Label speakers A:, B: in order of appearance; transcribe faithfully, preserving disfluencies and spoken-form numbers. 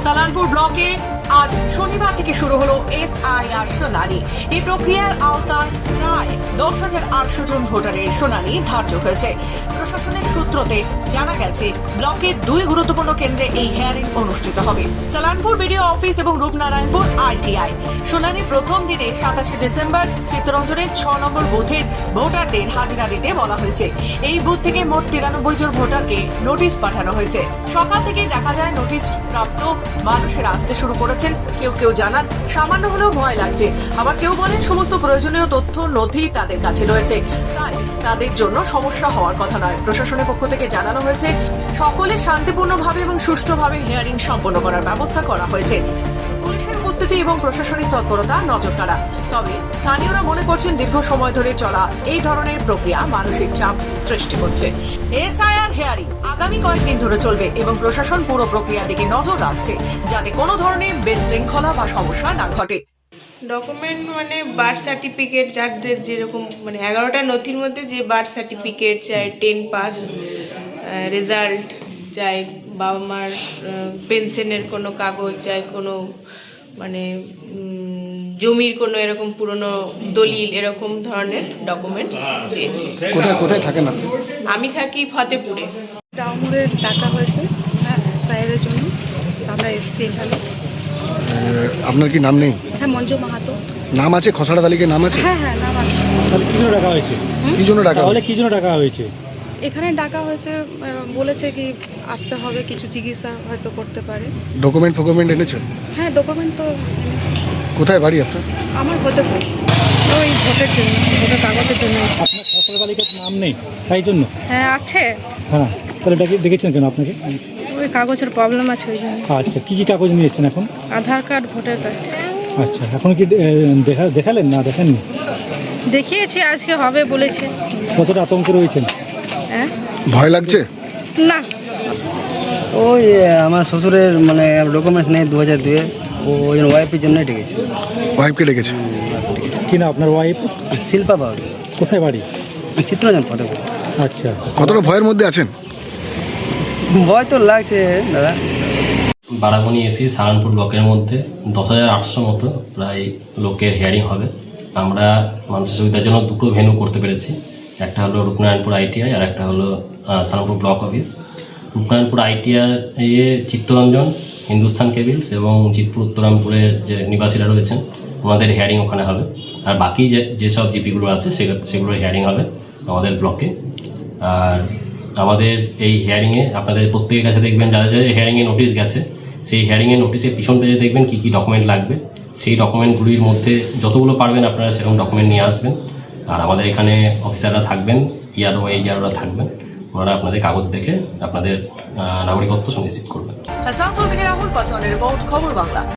A: সালানপুর ব্লকে আজ শনিবার থেকে শুরু হলো এসআইআর শুনানি। এই প্রক্রিয়ার আওতায় প্রায় দশ হাজার আটশো জন ভোটারের শুনানি ধার্য হয়েছে। প্রশাসনের সূত্রতে জানা গেছে, ব্লকের দুই গুরুত্বপূর্ণ কেন্দ্রে এই হিয়ারিং অনুষ্ঠিত হবে। সালানপুর বিডিও অফিস এবং রূপনারায়ণপুর আইটিআই। শুনানি প্রথম দিনে সাতাশে ডিসেম্বর চিত্তরঞ্জনের ছ নম্বর বুথের ভোটারদের হাজিরা দিতে বলা হয়েছে। এই বুথ থেকে মোট তিরানব্বই জন ভোটারকে নোটিশ পাঠানো হয়েছে। সকাল থেকেই দেখা যায় নোটিশ প্রাপ্ত মানুষেরা আসতে শুরু করেছেন। কেউ কেউ জানান সামান্য হলেও ভয় লাগছে, আবার কেউ বলেন সমস্ত প্রয়োজনীয় তথ্য নথি তাদের কাছে রয়েছে, তাই তাদের জন্য সমস্যা হওয়ার কথা নয়। প্রশাসনের পক্ষ থেকে জানানো হয়েছে সকলে শান্তিপূর্ণভাবে এবং সুষ্ঠুভাবে হিয়ারিং সম্পন্ন করার ব্যবস্থা করা হয়েছে। পুলিশের উপস্থিতি এবং প্রশাসনিক তৎপরতা নজর কাড়া। তবে স্থানীয়রা মনে করছেন দীর্ঘ সময় ধরে চলা এই ধরনের প্রক্রিয়া মানসিক চাপ সৃষ্টি করছে। এসআইআর হিয়ারিং আগামী কয়েকদিন ধরে চলবে এবং প্রশাসন পুরো প্রক্রিয়ার দিকে নজর রাখছে যাতে কোনো ধরনের বিশৃঙ্খলা বা সমস্যা না ঘটে।
B: ডকুমেন্ট মানে বার্থ সার্টিফিকেট, যাদের যেরকম মানে এগারোটা নথির মধ্যে যে বার্থ সার্টিফিকেট চাই, টেন পাস রেজাল্ট চাই, বাবা মার পেনশনের কোনো কাগজ চাই, কোনো মানে জমির কোনো এরকম পুরনো দলিল, এরকম ধরনের ডকুমেন্টস চেয়েছি।
C: কোথায় কোথায় থাকেন আপনি?
B: আমি থাকি ফতেপুরে।
D: ডাউনলোডের ডাকা হয়েছে হ্যাঁ স্যারের জন্য, আমরা এসেছি এখানে।
C: আপনার কি নাম নেই?
D: হ্যাঁ, মঞ্জু মাহাতো
C: নাম আছে, খসড়া তালিকায় নাম আছে?
D: হ্যাঁ হ্যাঁ নাম আছে।
E: তাহলে কি জন্য ডাকা হয়েছে?
C: কি জন্য ডাকা?
E: তাহলে কি জন্য ডাকা হয়েছে?
D: এখানে ডাকা হয়েছে, আহ, বলেছে কি আসতে হবে, কিছু চিকিৎসা হয়তো করতে পারে।
C: ডকুমেন্ট ফকুমেন্ট এনেছেন?
D: হ্যাঁ, ডকুমেন্ট তো এনেছি।
C: কোথায় বাড়ি আপনার?
D: আমার হতে পারে ওই ভোটের জন্য, ভোটের কাগজের জন্য।
E: আপনার খসড়া তালিকার নাম নেই তাই জন্য?
D: হ্যাঁ আছে,
E: হ্যাঁ, তাহলে ডেকে ডেকেছেন কেন আপনাকে?
D: ওই কাগজের প্রবলেম আছে ওই জন্য।
E: আচ্ছা, কী কী কাগজ নিয়ে এসেছেন এখন?
D: Aadhaar card, voter card.
E: আচ্ছা, এখন কি এ, দেখা দেখালেন না দেখাননি?
D: দেখিয়েছি, আজকে হবে বলেছে।
E: কতটা আতঙ্কে রয়েছেন?
D: হ্যাঁ,
C: ভয় লাগছে?
D: না
F: ওই আমার শ্বশুরের মানে ডকুমেন্টস নেই দু হাজার দুয়ে, ওই জন্য ওয়াইফের জন্যই ডেকেছি।
C: ওয়াইফকে ডেকেছে?
E: কি না আপনার ওয়াইফ?
F: শিল্পা বাউরি,
E: কোথায় বাড়ি?
F: চিত্তরঞ্জন ফতেপুর।
E: আচ্ছা,
C: কতটা ভয়ের মধ্যে আছেন?
F: ভয় তো লাগছে দাদা।
G: বারাবণী এসি সালানপুর ব্লকের মধ্যে দশ হাজার আটশো মতো প্রায় লোকের হিয়ারিং হবে। আমরা মানুষের সুবিধার জন্য দুটো ভেন্যু করতে পেরেছি। একটা হলো রূপনারায়ণপুর আইটিআই আর একটা হলো Salanpur block office. Rupnarayanpur ITI এ চিত্তরঞ্জন, হিন্দুস্তান কেবিলস এবং জিতপুর উত্তরামপুরের যে নিবাসীরা রয়েছেন ওনাদের হিয়ারিং ওখানে হবে। আর বাকি যে যেসব জিপিগুলো আছে সেগুলোর হিয়ারিং হবে আমাদের ব্লকে। আর আমাদের এই হিয়ারিংয়ে আপনাদের প্রত্যেকের কাছে দেখবেন যাদের যাদের হিয়ারিংয়ে নোটিশ গেছে, সেই হিয়ারিংয়ের নোটিশের পিছন পেজে দেখবেন কী কী ডকুমেন্ট লাগবে। সেই ডকুমেন্টগুলির মধ্যে যতগুলো পারবেন আপনারা সেরকম ডকুমেন্ট নিয়ে আসবেন। আর আমাদের এখানে অফিসাররা থাকবেন, ইয়ারও এই ইয়ারোরা থাকবেন, ওনারা আপনাদের কাগজ দেখে আপনাদের নাগরিকত্ব সুনিশ্চিত করবেন।
A: আসানসোল থেকে রাহুল পাসওয়ানের রিপোর্ট, খবর বাংলা।